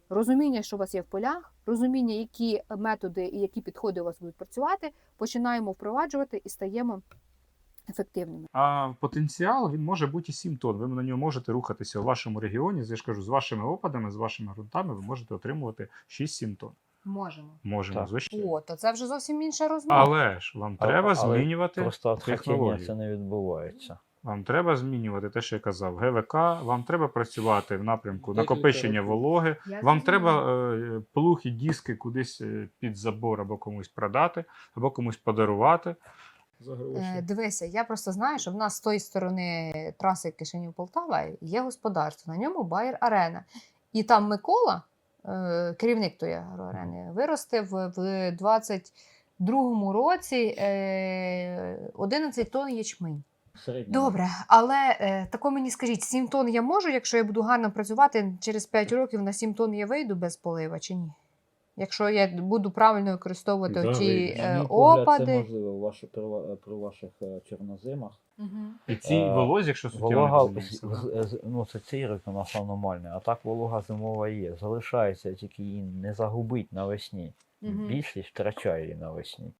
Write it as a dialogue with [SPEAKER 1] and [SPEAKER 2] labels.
[SPEAKER 1] розуміння, що у вас є в полях, розуміння, які методи і які підходи у вас будуть працювати, починаємо впроваджувати і стаємо ефективними.
[SPEAKER 2] А потенціал, він може бути і 7 тонн. Ви на ньому можете рухатися у вашому регіоні. Я ж кажу, з вашими опадами, з вашими ґрунтами ви можете отримувати 6-7 тонн.
[SPEAKER 1] Можемо.
[SPEAKER 2] Можемо,
[SPEAKER 3] Так.
[SPEAKER 2] звичайно.
[SPEAKER 1] О, то це вже зовсім інша розмова.
[SPEAKER 2] Але ж вам треба змінювати
[SPEAKER 3] Просто від хотіння
[SPEAKER 2] технологію.
[SPEAKER 3] це не відбувається.
[SPEAKER 2] Вам треба змінювати те, що я казав, ГВК, вам треба працювати в напрямку накопичення вологи,
[SPEAKER 1] Я
[SPEAKER 2] вам
[SPEAKER 1] зрозуміла.
[SPEAKER 2] треба плуг і диски кудись під забор або комусь продати, або комусь подарувати. За гроші.
[SPEAKER 1] Дивися, я просто знаю, що в нас з тої сторони траси Кишинів-Полтава є господарство, на ньому Bayer Arena. І там Микола, керівник тої агроарени, виростив в 22-му році 11 тонн ячмень. Добре, але тако мені скажіть, 7 тонн я можу, якщо я буду гарно працювати, через 5 років на 7 тонн я вийду без полива чи ні? Якщо я буду правильно використовувати
[SPEAKER 2] Да,
[SPEAKER 1] ті
[SPEAKER 2] вийдеш.
[SPEAKER 3] На мій погляд,
[SPEAKER 1] опади.
[SPEAKER 3] це можливо при ваших чорнозимах.
[SPEAKER 2] І цій волозі, якщо суттєво не
[SPEAKER 3] Волога,
[SPEAKER 2] зміниться, да?
[SPEAKER 3] ну це цей рік у нас аномальний, а так волога зимова є. Залишається, тільки її не загубить навесні.
[SPEAKER 1] Мгм.
[SPEAKER 3] Більшість втрачає її навесні.